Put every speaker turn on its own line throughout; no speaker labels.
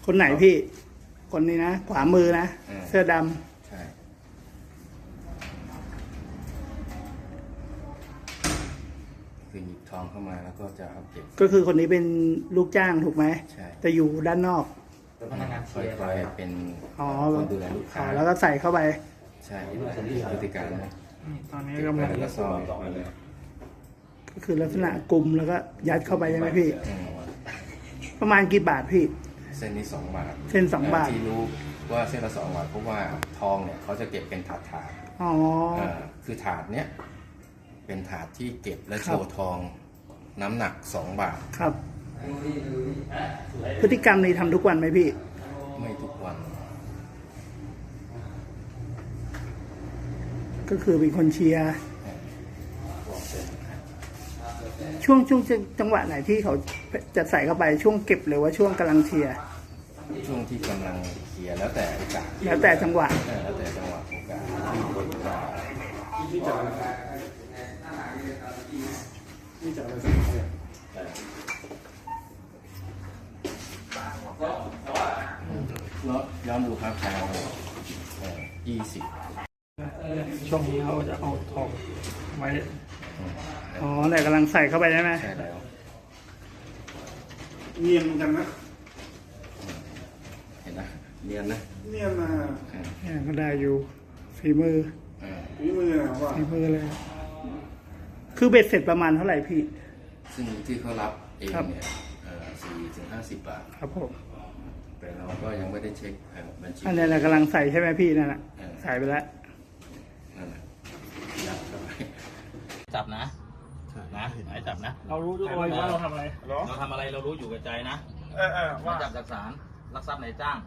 คนไหนพี่ คนนี้นะขวามือนะเสื้อดำ
ใช่คือหยิบทองเข้ามาแล้วก็จะเอาเก็บ
ก็คือคนนี้เป็นลูกจ้างถูกไหม
ใช่
จะอยู่ด้านนอก
พนักงานคอยเป็นคนดูแลลูกค้า
แล้วก็ใส่เข้าไป
ใช่พฤติการนะ
ตอนนี้กำลัง
แล้วก็ซอย
ก็คือลักษณะกลุ่มแล้วก็ยัดเข้าไปใช่ไหมพี่ประมาณกี่บาทพี่
เส้นนี้2 บาท
เส้น2 บาท
ที่รู้ว่าเส้นละ2 บาทเพราะว่าทองเนี่ยเขาจะเก็บเป็นถาด
อ๋อ
คือถาดเนี้ยเป็นถาดที่เก็บและโชว์ทองน้ำหนัก2 บาท
ครับพฤติกรรมนี้ทำทุกวันไหมพี่
ไม่ทุกวัน
ก็คือเป็นคนเชียร์ช่วงจังหวะไหนที่เขาจะใส่เข้าไปช่วงเก็บหรือว่าช่วงกำลังเชียร์
ช่วงที่กำลังเชียร์แล้วแต่โอกาส
แล้วแต่จังหวะ
แล้วแต่จังหวะโอกาสที่จะย้อนดูครับทาง20
ช่วงนี้เราจะเอาทองไว้อ๋อแต่กำลังใส่เข้าไปใช่ไหม
ใช่แล้ว
เนียนกันนะ
เห็นนะเนียนนะ
เนียนนะ
เนี่ยก็ได้อยู่ฝีมือ
ว่า
ฝีมือเลยคือเบ็ดเสร็จประมาณเท่าไหร่พี่
ซึ่งที่เขารับเองเนี่ย40-50 บาท
ครับผม
แต่เราก็ยังไม่ได้เช็คบัญชี
อันนี้แหละกำลังใส่ใช่ไหมพี่นั่นแหละใส่ไปแล้ว
นั่นแหละ
จับนะหมายจับนะ
เรารู้ด้วยว่าเราทำอะไร
เรารู้อยู่กับใจนะว่าจับจากศาลลักทรัพย์ในจ้าง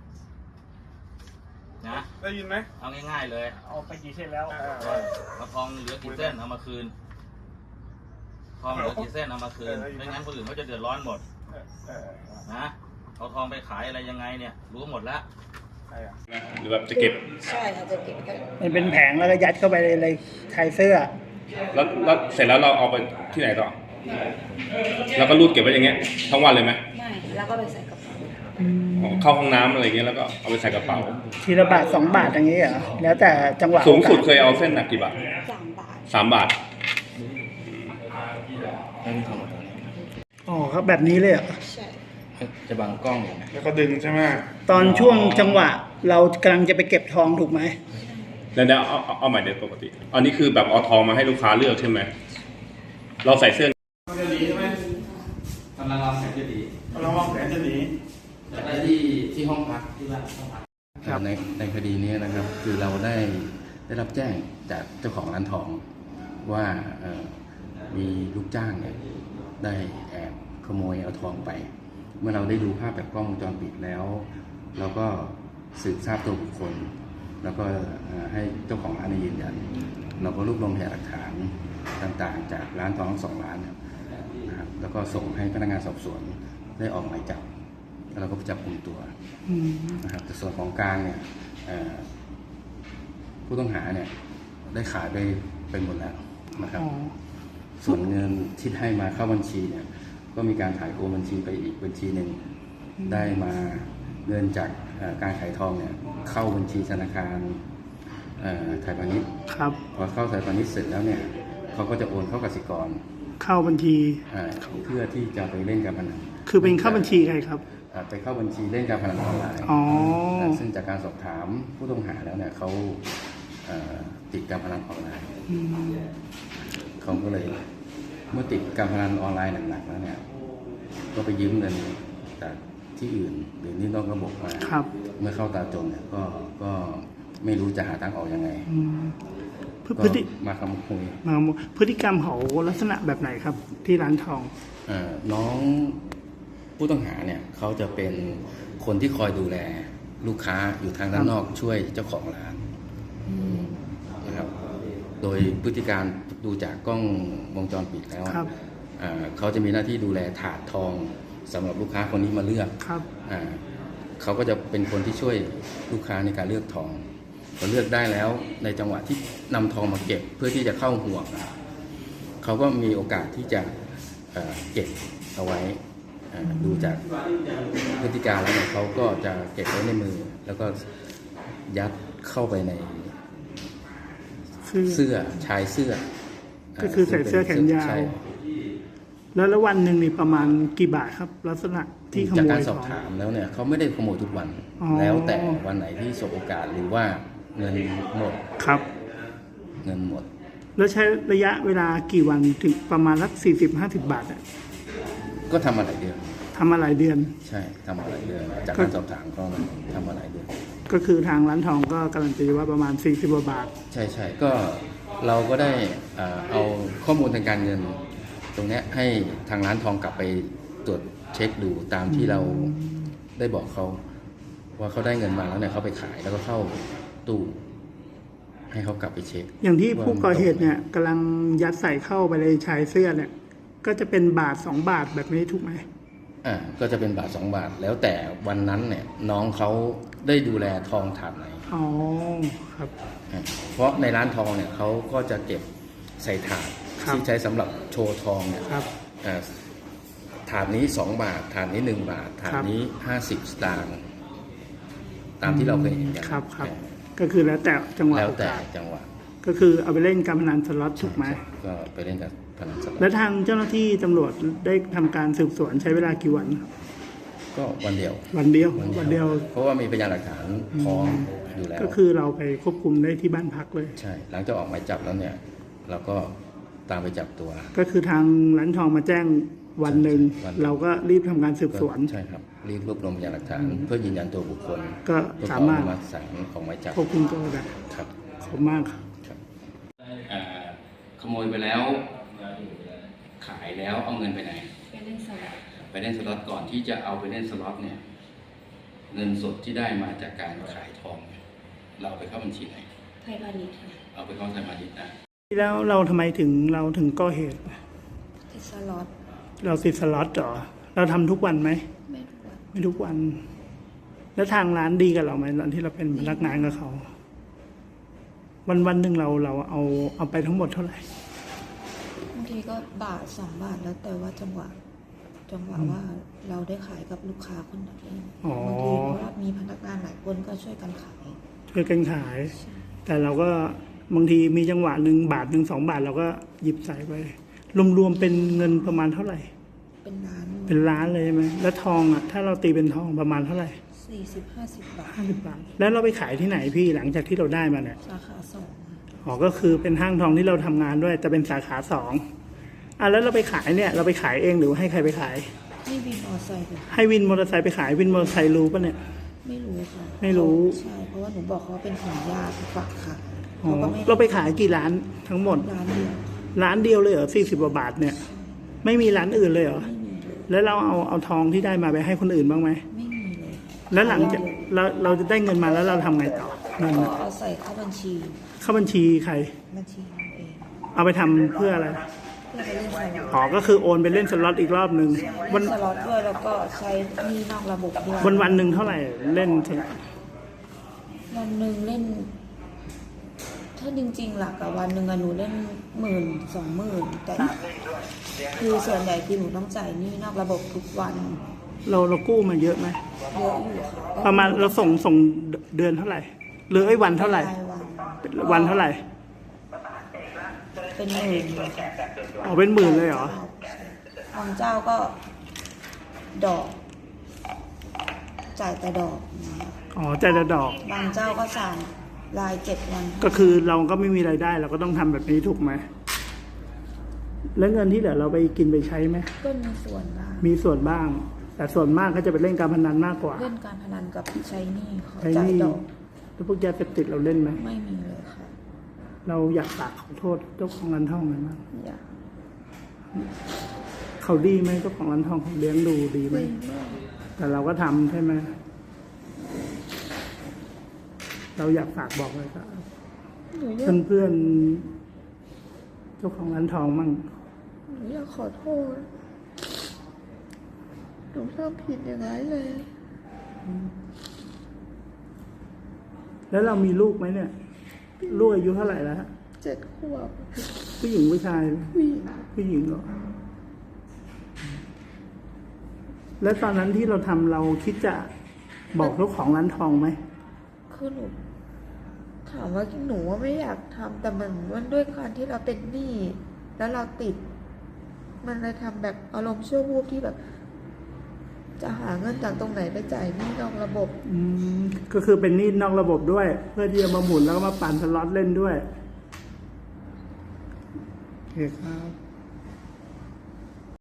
นะ
ได้ยินไหม
เอาง่ายๆเลย
เอาไปกี่เส้นแล้ว
เอาทองเหลือกี่เส้นเอามาคืนทองเหลือกี่เส้นเอามาคืนไม่งั้นคนอื่นเขาจะเดือดร้อนหมดนะเอาทองไปขายอะไรยังไงเนี่ยรู้หมดแล้ว
หรือแบบจะเก็บ
ใช่ค่ะจะเก็บ
มันเป็นแผงแล้วก็ยัดเข้าไปในชายเสื้อ
แล้วเสร็จแล้วเราเอาไปที่ไหนต่อแล้วก็รูดเก็บไว้อย่างเงี้ยทั้งวันเลยไหม
ไม่แล้วก็ไปใส่กระเป๋า
เข้าห้องน้ำอะไรเงี้ยแล้วก็เอาไปใส่กระเป๋า
ทีละบาท2 บาทอย่างเงี้ยเหรอแล้วแต่จังหวะ
สูงสุดเคยเอาเส้นหนักกี่บาท
3 บาท
อ๋อครับแบบนี้เลยเหรอ
ใช่
จะบังกล้องอยู่นะ
แล้วก็ดึงใช่ไหม
ตอนช่วงจังหวะเรากำลังจะไปเก็บทองถูกไหม
แล้วเอาใหม่เด็ดปกติอันนี้คือแบบเอาทองมาให้ลูกค้าเลือกใช่ไหมเราใส่เสื้อ
จะหนีใช่ไหม
กำลังวางแผนจะหนี
จะ
ได้ที่ห้องพักที่บ้านห้องพักในคดีนี้นะครับคือเราได้รับแจ้งจากเจ้าของร้านทองว่ามีลูกจ้างเนี่ยได้แอบขโมยเอาทองไปเมื่อเราได้ดูภาพจากกล้องวงจรปิดแล้วเราก็สืบทราบตัวบุคคลแล้วก็ให้เจ้าของร้านยืนยันเราก็รวบรวมพยานหลักฐานต่างๆจากร้านทองทั้ง2 ร้านนะครับแล้วก็ส่งให้พนักงานสอบสวนได้ออกหมายจับแล้วเราก็จับกุมตัวนะครับแต่ส่วนของกลางเนี่ยผู้ต้องหาเนี่ยได้ขายไปหมดแล้วนะครับส่วนเงินที่ให้มาเข้าบัญชีเนี่ยก็มีการถ่ายโอนบัญชีไปอีกบัญชีหนึ่งได้มาเงินจากการขายทองเนี่ยเข้าบัญชีธนาคารไทยพาณิชย์พอเข้าไทยพาณิชย์เสร็จแล้วเนี่ยเขาก็จะโอนเข้ากสิกร
เข้าบัญชี
เพื่อที่จะไปเล่นการพนัน
คือเป็นเข้าบัญชีใครครับ
ไปเข้าบัญชีเล่นการพนันออนไลน์ซึ่งจากการสอบถามผู้ต้องหาแล้วเนี่ยเขาติดการพนันออนไลน์เขาก็เลยเมื่อติดการพนันออนไลน์หนักๆแล้วเนี่ยก็ไปยืมเงินจากที่อื่นหรือนี่นอกระบบมาเมื่อเข้าตาจนเนี่ยก็ไม่รู้จะหาทางออกยังไงมาคำคุย
พฤติกรรมเขาลักษณะแบบไหนครับที่ร้านทอง
น้องผู้ต้องหาเนี่ยเขาจะเป็นคนที่คอยดูแลลูกค้าอยู่ทางด้านนอกช่วยเจ้าของร้านนะครับโดยพฤติการดูจากกล้องวงจรปิดแล้วเขาจะมีหน้าที่ดูแลถาดทองสำหรับลูกค้าคนนี้มาเลือกเขาก็จะเป็นคนที่ช่วยลูกค้าในการเลือกทองพอเลือกได้แล้วในจังหวะที่นำทองมาเก็บเพื่อที่จะเข้าห่วงเขาก็มีโอกาสที่จะเก็บเอาไว้ดูจากพฤติการแล้วเนี่ยเขาก็จะเก็บไว้ในมือ แล้วก็ยัดเข้าไปในเสื้อชายเสื้อ
ก็คือใส่เสื้อแขนยาว
ใช่
แล้ววันหนึ่งนี่ประมาณกี่บาทครับ ลักษณะที่ข
จาก
โม
การ
ย
สอบ
ของ
ถามแล้วเนี่ยเขาไม่ได้ขโมยทุกวัน
อ๋อ
แล้วแต่วันไหนที่สบโอกาสหรือว่าเงินหมด
ครับ
เงินหมด
แล้วใช้ระยะเวลากี่วันถึงประมาณสัก40-50 บาทอะ
ก็ทำมาหลายเดือน
ทำมาหลายเดือน
ใช่ทำมาหลายเดือน จากการสอบถามก็ทำมาหลายเดือน
ก็คือทางร้านทองก็การันตีว่าประมาณ40กว่าบาท
ใช่ใช่ก็เราก็ได้เอาข้อมูลทางการเงิน ตรงเนี้ยให้ทางร้านทองกลับไปตรวจเช็คดูตามที่เราได้บอกเขาว่าเขาได้เงินมาแล้วเนี่ยเขาไปขายแล้วก็เข้าตู้ให้เขากลับไปเช็ค
อย่างที่ผู้ก่อเหตุเนี่ยกำลังยัดใส่เข้าไปในชายเสื้อเนี่ย ก็จะเป็นบาท2 บาทแบบนี้ถูกไหม
ก็จะเป็นบาท2 บาทแล้วแต่วันนั้นเนี่ยน้องเขาได้ดูแลทองถาดไหน
อ๋อครับ
เพราะในร้านทองเนี่ยเขาก็จะเก็บใส่ถาด
ครับ
ที่ใช้สำหรับโชว์ทองเนี่ย
ครับ
ถาดนี้2 บาทถาดนี้1 บาทถาดนี้50 สตางค์ตามที่เราเคยเห็นกัน
ครับครับ ก็คือแล้วแต่จังหวะ
แล้ว
โอ
แต่
กาส
จังหวะ
ก็คือเอาไปเล่นการพนันสล็อตถูกไหม
ก็ไปเล่นกับพนันสล็อต
แล้วทางเจ้าหน้าที่ตำรวจได้ทำการสืบสวนใช้เวลากี่วันครับ
ก็วันเดียว
วันเดียววันเดียว
เพราะว่ามีพยานหลักฐานพร้อมอยู่แล้ว
ก็คือเราไปควบคุมได้ที่บ้านพักเลย
ใช่หลังจากออกหมายจับแล้วเนี่ย เราก็ตามไปจับตัว
ก็คือทางร้านทองมาแจ้งวันหนึ่ง
วันหนึ่ง
เราก็รีบทำการสืบสวน
ใช่ครับรีบรวบรวมพยานหลักฐานเพื่อยืนยันตัวบุคคล
ก็
เพื่อข
สา
ออ
มารถ
นุมัติศาลออกหมายจับ
ควบคุมตัวได้
ครับ
ขอบคุณมากครับ
ขโมยไปแล้ว ขายแล้วเอาเงินไปไหน
ไปเล่นสลับ
ไปเล่นสล็อตก่อนที่จะเอาไปเล่นสล็อตเนี่ย เงินสดที่ได้มาจากการขายทองเนี่ยเราเอาไปเข้าบัญชีไหน
ไทยพาณิชย์ค่ะ
เอาไปเข้าไทยพาณิชย์นะ
แล้วเราทำไมถึงก่อเหตุ
ที่สล็อต
เราติดสล็อตเหรอเราทำทุกวันไหม
ไม่ทุกวัน
ไม่ทุกวัน แล้วทางร้านดีกับเราไหมตอนที่เราเป็นพนักงานกับเขา วันหนึ่งเราเอาไปทั้งหมดเท่าไหร่
บางทีก็บาท2 บาทแล้วแต่ว่าจังหวะว่าเราได้ขายกับลูกค้าคนไหน
อ๋อ
บางทีเพราะว่ามีพนักงานหลายคนก็ช่วยกันขาย
ช่วยกันขาย แต่เราก็บางทีมีจังหวะหนึ่งบาทหนึ่ง2 บาทเราก็หยิบใส่ไปรวมๆเป็นเงินประมาณเท่าไหร่
เป็นล้าน
เป็นล้านเลยใช่ไหมแล้วทองอ่ะถ้าเราตีเป็นทองประมาณเท่าไหร่
40-50 บาท
50 บาทแล้วเราไปขายที่ไหนพี่หลังจากที่เราได้มาเนี่ย
สาขา2
อ๋อก็คือเป็นห้างทองที่เราทำงานด้วยแต่เป็นสาขา2แล้วเราไปขายเนี่ยเราไปขายเองหรือว่าให้ใครไปขาย
ให้วินมอเตอร์ไซค์ค่ะ
ให้วินมอเตอร์ไซค์ไปขายวินมอเตอร์ไซค์รู้ปะเนี่ย
ไม่รู้ค่ะ
ไม่รู้
ใช่เพราะว่าหนูบอกเขาว่าเป็นของญาติฝากขาย
อ๋อ
เขาก็ไม่
เราไปขายกี่ร้านทั้งหมด
ร้านเดียว
ร้านเดียวเลยเหรอ40 กว่าบาทเนี่ย ไม่มีร้านอื่นเลยเหรอ
ไม่มีเลย
แล้วเราเอาทองที่ได้มาไปให้คนอื่นบ้างไหม
ไม่มีเลยค่ะ
แล้วหลังจากเราจะได้เงินมาแล้วเราทำไงต่อเงิน
ก็เอาใส่เข้าบัญชี
เข้าบัญชีใคร
บัญชีเราเอง
เอาไปทำเพื่ออะไร
เพื่อไปเล่นสล็อต
อ๋อก็คือโอนไปเล่นสล็อตอีกรอบหนึ่งวั
เล่
น
นสล็อตด้วยแล้วก็ใช้หนี้นอกระบบด้วย
วันหนึ่งเท่าไหร่เล่นสล็อต
วันหนึ่งเล่น ถ้าจริงๆหลักอะวันหนึ่งอะหนูเล่น10,000-20,000แต่คือส่วนใหญ่คือหนูต้องจ่ายหนี้นอกระบบทุกวัน
เรากู้มาเยอะไหม
เยอะอยู่ค่ะ
ประมาณเราส่งเดือนเท่าไหร่หรือวันเท่าไหร่
รายวัน
วันเท่าไหร่
เป็นหมื่นเลยค่ะ
อ๋อเป็นหมื่นเลยเหรอ
บางเจ้าก็ดอก จ่ายแต่ดอกอย่างเงี้ย
อ๋อจ่ายแต่ดอก
บางเจ้าก็จ่ายราย7 วัน
ก็คือเราก็ไม่มีรายได้เราก็ต้องทำแบบนี้ถูกไหมแล้วเงินที่เหลือเราไปกินไปใช้ไหม
ก็มีส่วนบ้าง
มีส่วนบ้าง แต่ส่วนมากก็จะไปเล่นการพนันมากกว่า
เล่นการพนันกับใช้หนี้เขา
ใช้ห
จ่าย
นี้
ดอก
แล้วพวกยาเสพติดเราเล่นไหม
ไม่มีเลยค่ะ
เราอยากฝากขอโทษเจ้าของร้านทองไหมบ้าง
อยาก
เขาดีไหมเจ้าของร้านทองเขาเลี้ยงดูดีไหม
ไม่มาก
แต่เราก็ทำใช่ไหมเราอยากฝากบอกเลยครับ
หนูอยาก
เพื่อนๆเจ้าของร้านทองมั่ง
หนูอยากขอโทษหนูทำผิดอย่างไรเลย
แล้วเรามีลูกไหมเนี่ย ลูกอายุเท่าไหร่แล้วฮะ
7 ขวบ
ผู้หญิงผู้ชาย
ผู้หญิง
ผู้หญิงเหรอแล้วตอนนั้นที่เราทำเราคิดจะบอกเจ้าของร้านทองไหม
คือหนูถามว่าหนูว่าไม่อยากทำแต่มันด้วยการที่เราเป็นหนี้แล้วเราติด มันเลยทำแบบอารมณ์ชั่ววูบที่แบบ จะหาเงินจากตรงไหนไปจ่ายหนี้นอกระบบ
ก็คือเป็นหนี้นอกระบบด้วย เพื่อที่จะมาหมุนแล้วก็มาปั่นสล็อตเล่นด้วยโอเคครับ